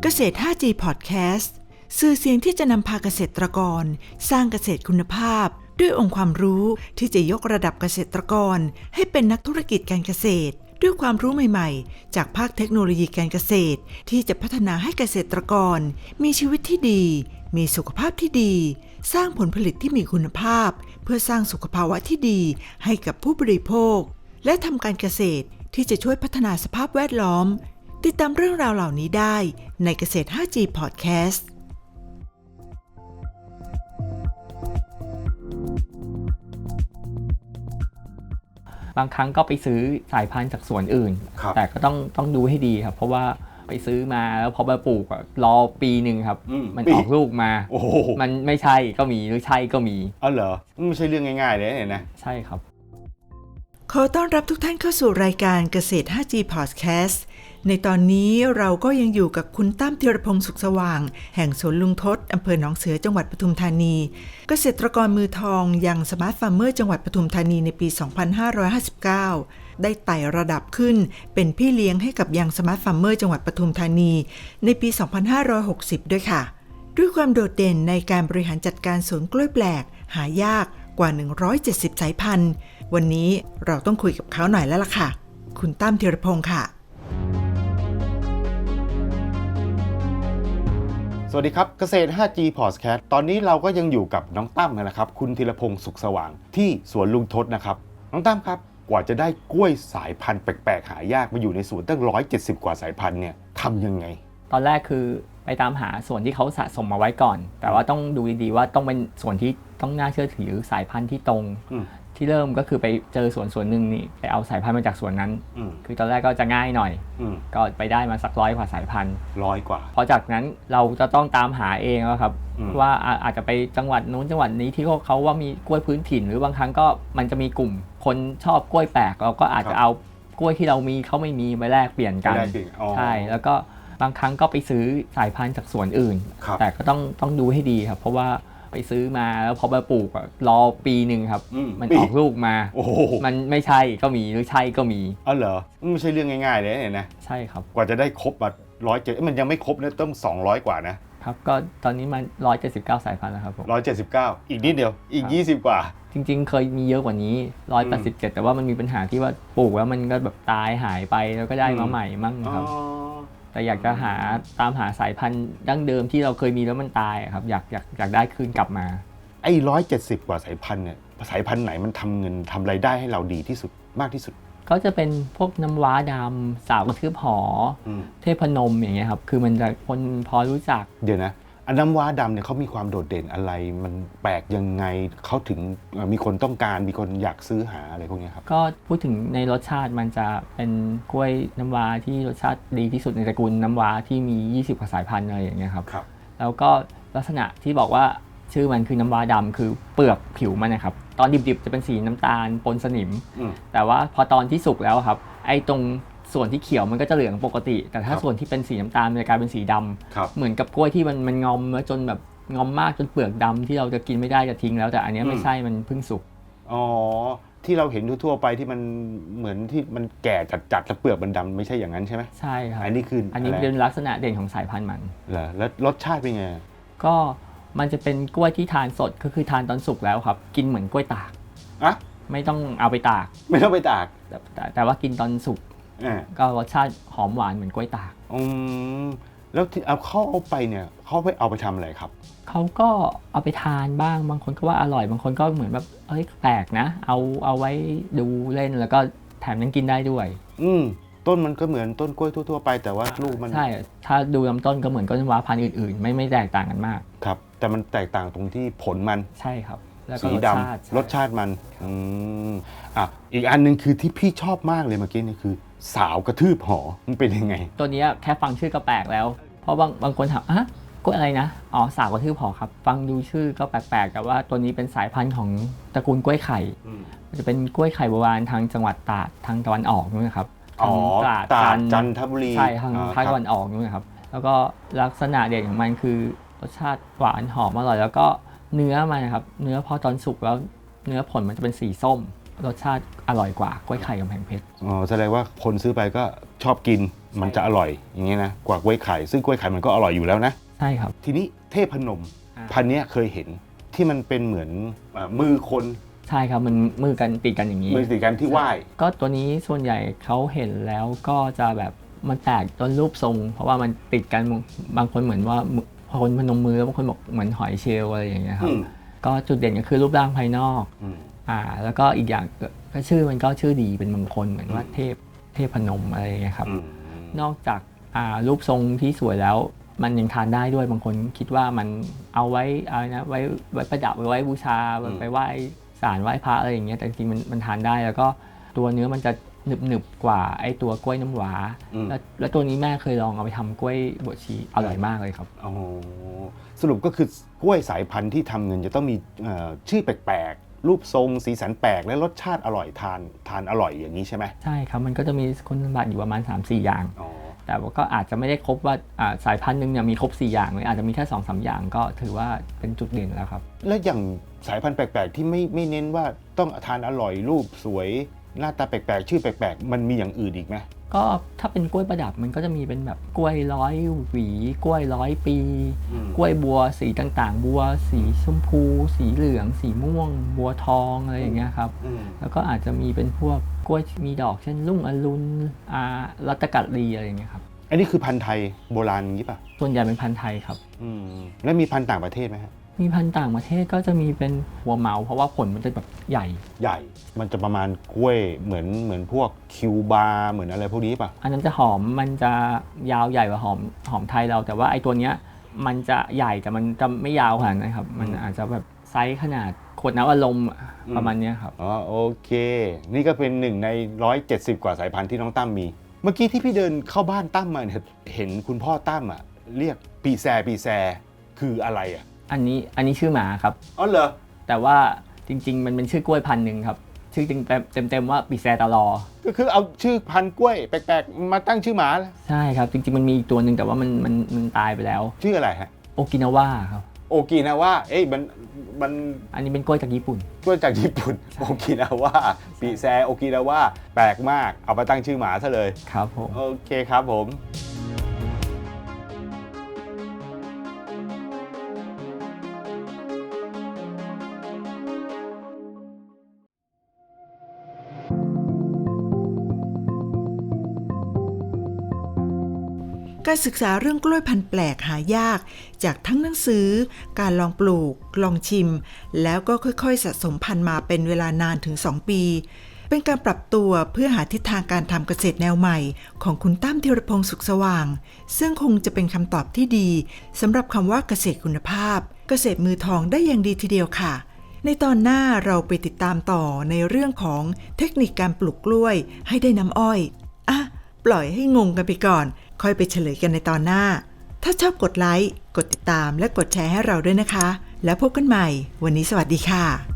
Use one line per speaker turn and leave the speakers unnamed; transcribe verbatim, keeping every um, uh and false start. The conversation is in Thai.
เกษตร ห้าจี Podcast สื่อเสียงที่จะนำพาเกษตรกรสร้างเกษตรคุณภาพด้วยองค์ความรู้ที่จะยกระดับเกษตรกรให้เป็นนักธุรกิจการเกษตรด้วยความรู้ใหม่ๆจากภาคเทคโนโลยีการเกษตรที่จะพัฒนาให้เกษตรกรมีชีวิตที่ดีมีสุขภาพที่ดีสร้างผลผลิตที่มีคุณภาพเพื่อสร้างสุขภาวะที่ดีให้กับผู้บริโภคและทำการเกษตรที่จะช่วยพัฒนาสภาพแวดล้อมติดตามเรื่องราวเหล่านี้ได้ในเกษตร ห้าจี Podcast
บางครั้งก็ไปซื้อสายพันธุ์จากสวนอื่นแต่ก็ต้องต้องดูให้ดีครับเพราะว่าไปซื้อมาแล้วพอมาปลูกรอปีหนึ่งครับมมันออกลูกมามันไม่ใช่ก็มีหรือใช่ก็มี
อ๋อเหรอไม่ใช่เรื่องง่ายๆเลยเนี่ยนะ
ใช่ครับ
ขอต้อนรับทุกท่านเข้าสู่รายการเกษตร ห้าจี Podcast ในตอนนี้เราก็ยังอยู่กับคุณตั้มธีรพงษ์สุขสว่างแห่งสวนลุงทศอำเภอหนองเสือจังหวัดปทุมธานีเกษตรกรมือทองยังสมาร์ทฟาร์มเมอร์จังหวัดปทุมธานีในปี สองพันห้าร้อยห้าสิบเก้า ได้ไต่ระดับขึ้นเป็นพี่เลี้ยงให้กับยังสมาร์ทฟาร์มเมอร์จังหวัดปทุมธานีในปี สองพันห้าร้อยหกสิบ ด้วยค่ะด้วยความโดดเด่นในการบริหารจัดการสวนกล้วยแปลกหายากกว่าหนึ่งร้อยเจ็ดสิบสายพันธุ์วันนี้เราต้องคุยกับเขาหน่อยแล้วล่ะค่ะคุณตั้มธีรพงษ์ค่ะ
สวัสดีครับเกษตร ห้าจี Podcast ตอนนี้เราก็ยังอยู่กับน้องตั้มนะครับคุณธีรพงษ์สุขสว่างที่สวนลุงทศนะครับน้องตั้มครับกว่าจะได้กล้วยสายพันธุ์แปลกๆหายากมาอยู่ในสวนตั้งหนึ่งร้อยเจ็ดสิบกว่าสายพันธุ์เนี่ยทำยังไง
ตอนแรกคือไปตามหาส่วนที่เขาสะสมมาไว้ก่อนแต่ว่าต้องดูดีๆว่าต้องเป็นส่วนที่ต้องน่าเชื่อถือสายพันธุ์ที่ตรงที่เริ่มก็คือไปเจอสวนสวนหนึ่งนี่ไปเอาสายพันธุ์มาจากสวนนั้นคือตอนแรกก็จะง่ายหน่อยก็ไปได้มาสักร้อยกว่าสายพันธุ์
ร้อยกว่า
พอจากนั้นเราจะต้องตามหาเองแล้วครับว่าอาจจะไปจังหวัดนู้นจังหวัดนี้ที่เขาว่ามีกล้วยพื้นถิ่นหรือบางครั้งก็มันจะมีกลุ่มคนชอบกล้วยแปลกเราก็อาจจะเอากล้วยที่เรามีเขาไม่มีไปแลกเปลี่ยนกันใช่แล้วก็บางครั้งก็ไปซื้อสายพันธุ์จากสวนอื่นแต่ก็ต้องต้องดูให้ดีครับเพราะว่าไปซื้อมาแล้วพอมาปลูกรอปีหนึ่งครับมันออกลูกมามันไม่ใช่ก็มีหรือใช่ก็มี
อ๋อเหรอไม่ใช่เรื่องง่ายๆเลยเนี่ยนะ
ใช่ครับ
กว่าจะได้ครบแบบร้อยเจ็ดมันยังไม่ครบนะต้องสองร้อยกว่านะครับ
ก็ตอนนี้มันหนึ่งร้อยเจ็ดสิบเก้าสายพันธุ์แล้วครับผม
หนึ่งร้อยเจ็ดสิบเก้าอีกนิดเดียวอีกยี่สิบกว่า
จริงๆเคยมีเยอะกว่านี้หนึ่งร้อยแปดสิบเจ็ดแต่ว่ามันมีปัญหาที่ว่าปลูกแล้วมันก็แบบตายหายไปแล้วก็ได้มาใหม่มั่งครับแต่อยากจะหาตามหาสายพันธุ์ดั้งเดิมที่เราเคยมีแล้วมันตายครับอยากอยากอยากได้คืนกลับมา
ไอ้หนึ่งร้อยเจ็ดสิบกว่าสายพันธุ์เนี่ยสายพันธุ์ไหนมันทำเงินทำรายได้ให้เราดีที่สุดมากที่สุด
ก็จะเป็นพวกน้ำว้าดำสาวกระทืบหอเทพนมอย่างเงี้ยครับคือมันจะคนพอรู้จัก
เดี๋ยวนะอันน้ำว้าดำเนี่ยเขามีความโดดเด่นอะไรมันแปลกยังไงเขาถึงมีคนต้องการมีคนอยากซื้อหาอะไรพวกนี้ครับ
ก็พูดถึงในรสชาติมันจะเป็นกล้วยน้ำว้าที่รสชาติดีที่สุดในตระกูลน้ำว้าที่มียี่สิบกว่าสายพันธุ์อะไรอย่างเงี้ยครับแล้วก็ลักษณะที่บอกว่าชื่อมันคือน้ำว้าดำคือเปลือกผิวมันนะครับตอนดิบๆจะเป็นสีน้ำตาลปนสนิมแต่ว่าพอตอนที่สุกแล้วครับไอ้ตรงส่วนที่เขียวมันก็จะเหลืองปกติแต่ถ้าส่วนที่เป็นสีน้ำตาลมันจะกลายเป็นสีดำเหมือนกับกล้วยที่มันมันงอมแล้วจนแบบงอมมากจนเปลือกดำที่เราจะกินไม่ได้จะทิ้งแล้วแต่อันนี้ไม่ใช่มันเพิ่งสุก
อ๋อที่เราเห็นทั่วไปที่มันเหมือนที่มันแก่จัดๆแล้วเปลือกมันดำไม่ใช่อย่างนั้นใช่ไหม
ใช่ครับ
อันนี้คือ
อันนี้เป็นลักษณะเด่นของสายพันธุ์มัน
เหรอแล้วรสชาติเป็นไง
ก็มันจะเป็นกล้วยที่ทานสดก็คือทานตอนสุกแล้วครับกินเหมือนกล้วยตาก
อะ
ไม่ต้องเอาไปตาก
ไม่ต้องไปตาก
แต่แต่แต่ว่ากินตอนสุกก็รสชาติหอมหวานเหมือนกล้วยตาก
อืมแล้วที่เอาเขาเอาไปเนี่ยเขาไปเอาไปทำอะไรครับ
เขาก็เอาไปทานบ้างบางคนก็ว่าอร่อยบางคนก็เหมือนแบบเอ้ยแปลกนะเอาเอาไว้ดูเล่นแล้วก็แถมยังกินได้ด้วย
อืมต้นมันก็เหมือนต้นกล้วยทั่วๆไปแต่ว่าลูกมัน
ใช่ถ้าดูลำต้นก็เหมือนต้นน้ำว้าพันธุ์อื่นๆไม่ไม่แตกต่างกันมาก
ครับแต่มันแตกต่างตรงที่ผลมัน
ใช่ครับแล้วก็
สีดำรสชาติมันอืมอ่ะอีกอันนึงคือที่พี่ชอบมากเลยเมื่อกี้นี่คือสาวกระทืบหอมันเป็นยังไง
ตัวนี้แค่ฟังชื่อก็แปลกแล้วเพราะบางบางคนถามอ่ะกล้วยอะไรนะอ๋อสาวกระทืบหอครับฟังดูชื่อก็แปลกๆแต่ว่าตัวนี้เป็นสายพันธุ์ของตระกูลกล้วยไข่จะเป็นกล้วยไข่โบราณทางจังหวัดตราดทางตะวันออกนู่นนะครับ
อ๋อตราดจันทบุรี
ใช่ทางภาคตะวันออกนู่นนะครับแล้วก็ลักษณะเด่นของมันคือรสชาติหวานหอมอร่อยแล้วก็เนื้อมันนะครับเนื้อพอตอนสุกแล้วเนื้อผลมันจะเป็นสีส้มรสชาติอร่อยกว่ากล้วยไข่กำแพงเพชร
อ๋อแสดงว่าคนซื้อไปก็ชอบกินมันจะอร่อยอย่างเงี้ยนะกว่ากล้วยไข่ซึ่งกล้วยไข่มันก็อร่อยอยู่แล้วนะ
ใช่ครับ
ทีนี้เทพนม
อ่า
พันธุ์เนี้ยเคยเห็นที่มันเป็นเหมือนเอ่อมือคน
ใช่ครับมันมือกันติดกันอย่างนี้
มือติดกันที่ไหว้
ก็ตัวนี้ส่วนใหญ่เขาเห็นแล้วก็จะแบบมันแตกต้นรูปทรง เพราะว่ามันติดกันบางคนเหมือนว่าคนพนมมือบางคนบอกเหมือนหอยเชลล์อะไรอย่างเงี้ยครับก็จุดเด่นก็คือรูปร่างภายนอกอ่าแล้วก็อีกอย่างก็ชื่อมันก็ชื่อดีเป็นมงคลเหมือนว่าเทพเทพนมอะไรอย่างเงี้ยครับนอกจากอ่ารูปทรงที่สวยแล้วมันยังทานได้ด้วยบางคนคิดว่ามันเอาไว้อะไรนะไว้ไว้ประดับไว้บูชาไปไหว้ศาลไหว้พระอะไรอย่างเงี้ยแต่จริงๆมันมันทานได้แล้วก็ตัวเนื้อมันจะหนึบหนึบกว่าไอ้ตัวกล้วยน้ำว้าแล้วแล้วตัวนี้แม่เคยลองเอาไปทำกล้วยบวชชีอร่อยมากเลยครับ
อ๋อสรุปก็คือกล้วยสายพันธุ์ที่ทำเงินจะต้องมีเอ่อชื่อแปลกๆรูปทรงสีสันแปลกและรสชาติอร่อยทานทานอร่อยอย่างนี้ใช่ไหม
ใช่ครับมันก็จะมีคุณสมบัติอยู่ประมาณ สามสี่ อย่างแต่ว่าก็อาจจะไม่ได้ครบว่าสายพันธุ์หนึ่งเนี่ยมีครบสี่อย่างเลยอาจจะมีแค่ สองสาม อย่างก็ถือว่าเป็นจุดเด่นแล้วครับ
แล้วอย่างสายพันธุ์แปลกๆที่ไม่ไม่เน้นว่าต้องทานอร่อยรูปสวยหน้าตาแปลกๆชื่อแปลกๆมันมีอย่างอื่นอีกไหม
ก็ถ้าเป็นกล้วยประดับมันก็จะมีเป็นแบบกล้วยร้อยหวีกล้วยร้อยปีกล้วยบัวสีต่างๆบัวสีชมพูสีเหลืองสีม่วงบัวทองอะไรอย่างเงี้ยครับแล้วก็อาจจะมีเป็นพวกกล้วยมีดอกเช่นลุ่งอรุณอารัตกัดลีอะไรอย่างเงี้ยครับ
อันนี้คือพันธุ์ไทยโบราณงี้ป่ะ
ส่วนใหญ่เป็นพันธุ์ไทยครับ
แล้วมีพันธุ์ต่างประเทศไหมฮะ
มีพันธุ์ต่างประเทศก็จะมีเป็นหัวเมาเพราะว่าผลมันจะแบบใหญ่
ใหญ่มันจะประมาณกล้วยเหมือนเหมือนพวกคิวบาร์เหมือนอะไรพวกนี้ป่ะ
อันนั้นจะหอมมันจะยาวใหญ่กว่าหอมหอมไทยเราแต่ว่าไอ้ตัวเนี้ยมันจะใหญ่แต่มันจะไม่ยาวขนาดนั้นครับมันอาจจะแบบไซส์ขนาดขวดน้ำอารมณ์ประมาณนี้ครับ
อ๋อโอเคนี่ก็เป็นหนึ่งในหนึ่งร้อยเจ็ดสิบกว่าสายพันธุ์ที่น้องตั้มมีเมื่อกี้ที่พี่เดินเข้าบ้านตั้มมาเนี่ยเห็นคุณพ่อตั้มอ่ะเรียกปีแซปีแซคืออะไรอ่ะ
อันนี้อันนี้ชื่อหมาครับ
อ๋อเหรอ
แต่ว่าจริงๆมันเป็นชื่อกล้วยพันธุ์หนึ่งครับชื่อจริงเต็มๆว่าปีแซตลอ
ก็คือเอาชื่อพันธุ์กล้วยแปลกๆมาตั้งชื่อหมา
ใช่ครับจริงๆมันมีตัวหนึ่งแต่ว่ามันมันมันตายไปแล้ว
ชื่ออะไรฮะ
โอกินาวาครับ
โอกินาวาเอ้ยมันมัน
อันนี้เป็นกล้วยจากญี่ปุ่น
กล้วยจากญี่ปุ่นโอกินาวาปีแซโอกินาวาแปลกมากเอามาตั้งชื่อหมาซะเลย
ครับผม
โอเคครับผม
การศึกษาเรื่องกล้วยพันธุ์แปลกหายากจากทั้งหนังสือการลองปลูกลองชิมแล้วก็ค่อยๆสะสมพันธุ์มาเป็นเวลานานถึงสองปีเป็นการปรับตัวเพื่อหาทิศทางการทำเกษตรแนวใหม่ของคุณตั้มธีรพงษ์สุขสว่างซึ่งคงจะเป็นคำตอบที่ดีสำหรับคำว่าเกษตรคุณภาพเกษตรมือทองได้อย่างดีทีเดียวค่ะในตอนหน้าเราไปติดตามต่อในเรื่องของเทคนิคการปลูกกล้วยให้ได้น้ำอ้อยอ่ะปล่อยให้งงกันไปก่อนค่อยไปเฉลยกันในตอนหน้าถ้าชอบกดไลค์กดติดตามและกดแชร์ให้เราด้วยนะคะแล้วพบกันใหม่วันนี้สวัสดีค่ะ